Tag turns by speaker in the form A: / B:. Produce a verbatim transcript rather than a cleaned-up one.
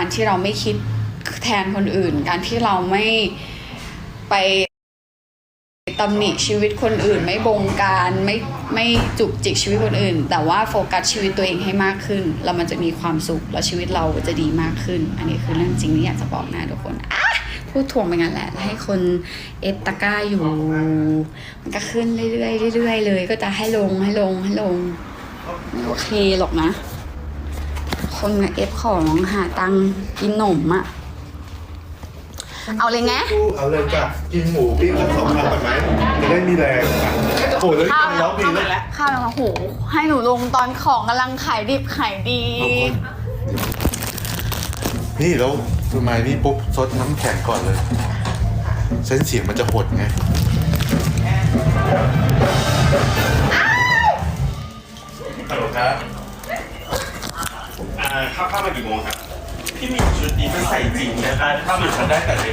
A: การที่เราไม่คิดแทนคนอื่นการที่เราไม่ไปตำหนิชีวิตคนอื่นไม่บงการไม่ไม่จุกจิกชีวิตคนอื่นแต่ว่าโฟกัสชีวิตตัวเองให้มากขึ้นแล้วมันจะมีความสุขแล้วชีวิตเราจะดีมากขึ้นอันนี้คือเรื่องจริงที่อยากจะบอกนะทุกคนอ่ะพูดถ่วงไปงั้นแหละให้คนเอฟตะกร้าอยู่มันก็ขึ้นเรื่อยๆเรื่อยๆเลยก็จะให้ลงให้ลงให้ลงไม่โอเคหรอกนะคนเอฟของหาตังกินหนมอะเอาเลยไง
B: เอาเลยจ้ะกินหมูปิ้งสักสองคำก่อนไหมจะได้มีแรงอ่ะโอ้ยแล้วกินแล้วกินแล้ว
A: ข้าวแล้วโหให้หนูลงตอนของกำลังขายดิบขายดี
B: นี่แล้วทำไมนี่ปุ๊บซดน้ำแข็งก่อนเลยเส้นเสียงมันจะหดไงฮัลโหลครับอ่าเข้าเข้ามากี่โมงครับพี่มีชุดนี้มันใส่จริงนะคะถ้ามันได้แต่